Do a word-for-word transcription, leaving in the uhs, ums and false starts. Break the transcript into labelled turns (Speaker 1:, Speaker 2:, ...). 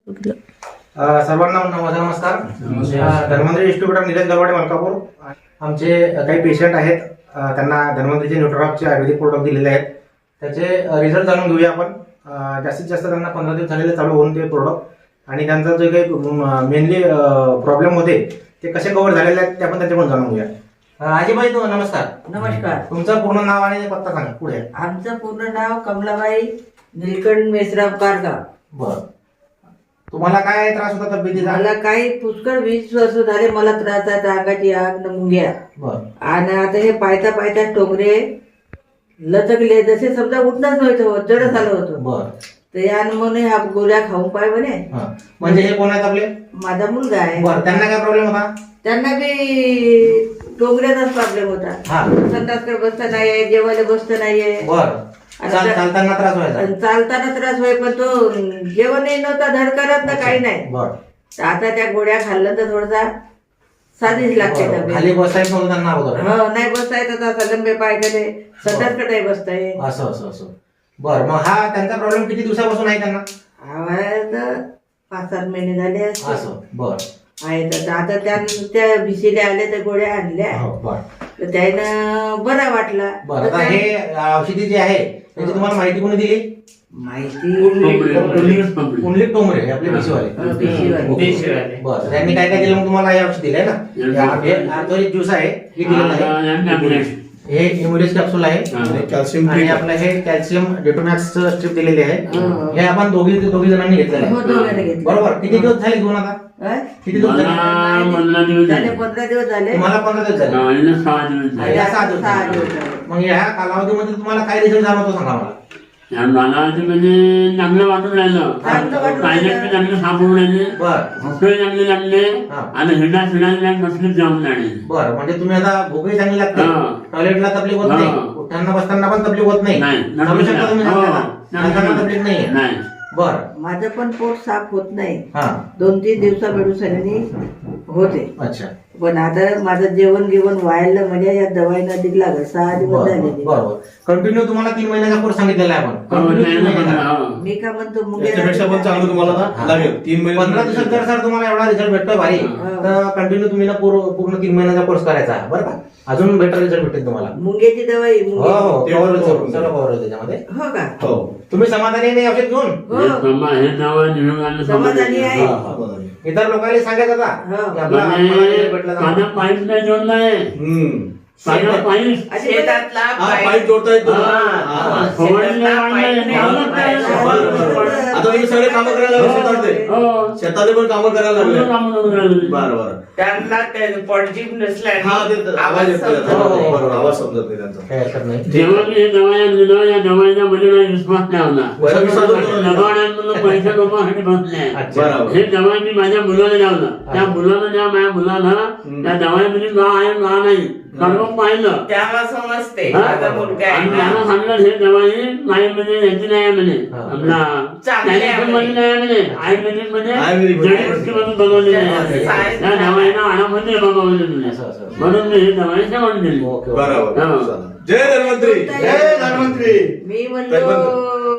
Speaker 1: सर्वांना नमस्कार. धन्वंतरी डिस्ट्रीब्युटर निलेश गलवाडे मलकापूर. आमचे काही पेशंट आहेत, त्यांना धन्वंतरीचे न्यूट्रॉपचे आयुर्वेदिक प्रोडक्ट दिलेले आहेत. त्याचे रिझल्ट जाणून घेऊया आपण. जास्तीत जास्त त्यांना पंधरा दिवस झालेले चालू होऊन ते प्रोडक्ट आणि त्यांचा जे काही मेनली प्रॉब्लेम होते ते कसे कव्हर झालेले आहेत ते आपण त्याच्याकडून जाणून घेऊया. आजीबाई तो नमस्कार.
Speaker 2: नमस्कार.
Speaker 1: तुमचं पूर्ण नाव आणि पत्ता सांगा पुढे.
Speaker 2: आमचं पूर्ण नाव कमलाबाई निलकंठ मेसराव कारगाव.
Speaker 1: बरं, तुम्हाला काय त्रास होता तब्येतीचा?
Speaker 2: मला काही पुष्कळ वीस वर्ष झाले मला त्रास आहे, अंगाची आग न मुंग्या.
Speaker 1: बरं.
Speaker 2: आणि आता हे पायता पायता टोंगरे लचकले, जसे समजा उठणंच नव्हतं, जड झालं होतं.
Speaker 1: बरं.
Speaker 2: तर यानं म्हणे हा गोळ्या खाऊन पाय म्हणे.
Speaker 1: म्हणजे हे कोण आहेत आपले?
Speaker 2: माझा मुलगा आहे.
Speaker 1: बरं, त्यांना काय प्रॉब्लेम होता?
Speaker 2: त्यांना बी टोंगऱ्याचाच प्रॉब्लेम होता. संडासकडे बसता नाहीये, जेवायला बसता नाहीये.
Speaker 1: बरं. चालताना त्रास व्हायचा?
Speaker 2: चालताना त्रास व्हाय, पण तो जेवणही नव्हता, धड करत ना काही नाही. आता त्या गोळ्या खाल्लं तर थोडासा साधीच लागते.
Speaker 1: खाली बसायचं नव्हतं त्यांना अगोदर?
Speaker 2: हो, नाही बसता येत. आता लंबे पाय केले, संडासकडे बसता येत.
Speaker 1: असं असं असं. बरं, मग हा त्यांचा प्रॉब्लेम किती दिवसापासून आहे त्यांना?
Speaker 2: पाच सात महिने झाले असते.
Speaker 1: असं. बरं.
Speaker 2: आहेत आता त्या त्या भिशीला आले तर गोळ्या आणल्या, तर त्यानं बरा वाटला.
Speaker 1: बरं, आता हे औषधी जे आहे त्याची तुम्हाला माहिती कोणी दिली?
Speaker 2: माहिती
Speaker 1: पुंडलिक टोंगरे आपले भिशीवाले. बरं, त्यांनी काय काय दिलं मग तुम्हाला? हे औषध दिलंय ना, ज्यूस आहे हे दिलेलं आहे, हे इम्युनिस कॅप्सूल आहे आणि आपलं हे कॅल्शियम डेटोमॅक्स स्ट्रिप दिलेली आहे. हे आपण दोघी दोघी जणांनी घेतलेलं आहे. बरोबर. किती दिवस झाले घेऊन? आता किती दिवस झाले?
Speaker 2: पंधरा दिवस झाले.
Speaker 1: तुम्हाला पंधरा दिवस झाले. सहा दिवस. मग ह्या कालावधीमध्ये तुम्हाला काय रिझल्ट जाणवतो सांगा मला.
Speaker 3: म्हणजे चांगलं वाटून राहिलं, पाहिजे चांगलं सापडून राहिले, भोकळे चांगले लागले आणि हिंडा फिरायला कसलीच जाऊन राहिले.
Speaker 1: बरं, म्हणजे तुम्ही आता भोकळी चांगली लागते, टॉयलेटला तकलीफ होत नाही, उठताना बसताना पण तकलीफ होत नाही, चालू शकता तुम्ही, तकलीफ नाही. बर,
Speaker 2: माझं पण पोट साफ होत नाही. दोन तीन दिवसा मेडिसिन होते.
Speaker 1: अच्छा.
Speaker 2: पण आता माझं जेवण गिवण व्हायला म्हणजे या दवाई नदीक लागत. सहा दिवस झाले.
Speaker 1: बरोबर. कंटिन्यू तुम्हाला तीन महिन्याचा कोर्स सांगितलेला आहे आपण.
Speaker 2: मी का म्हणतो
Speaker 1: पंधरा दिवसात जर सर तुम्हाला एवढा रिझल्ट भेटतोय भारी, तर कंटिन्यू तुम्ही ना पूर्ण तीन महिन्याचा कोर्स करायचा आहे बरं का. अजून बेटर रिझल्ट भेटेल तुम्हाला.
Speaker 2: मुंग्याची दवाई
Speaker 1: हो हो सर्व कव्हर होईल त्याच्यामध्ये.
Speaker 2: हो का?
Speaker 1: हो. तुम्ही समाधानी नाही औषध घेऊन?
Speaker 2: समाधानी आहे.
Speaker 1: इतर लोकांनी सांगायचं आता
Speaker 3: माझा पाईप नाही जोडलाय.
Speaker 4: पाईप जोडता येतो. आता हे सगळे कामं करायला लागले, शेतातले पण कामं करायला लागले. बरं बरं.
Speaker 5: त्यांना पॉझिटिव्ह नसल्या
Speaker 4: आवाज येतो, आवाज समजत नाही त्यांचा.
Speaker 3: जेव्हा मी हे दवाई आणलं, या दवाईचा मध्ये नाही विश्वास नाही होता. दवाड्यांमधून पैसे लोकांसाठी बसले. हे दवाई मी माझ्या मुलाला लावलं, त्या मुलाला ज्या माझ्या मुलाला त्या दवाईमध्ये गा आहे गा नाही काढून पाहिलं,
Speaker 5: त्याला समजते माझा मुलगा आहे.
Speaker 3: त्याला सांगलं हे दवाई नाही म्हणजे याची नाही म्हणे, आपला मध्ये नाही म्हणे, आयुर्वेदिक मध्ये जडीबुटीमधून बनवलेली आहे. त्या दवाईनं आणामध्ये बनवलेली, म्हणून मी हे दवाई सेवन दिली.
Speaker 4: बरोबर. जय धन्वंतरी.
Speaker 1: जय धन्वंतरी.
Speaker 2: मी म्हणतो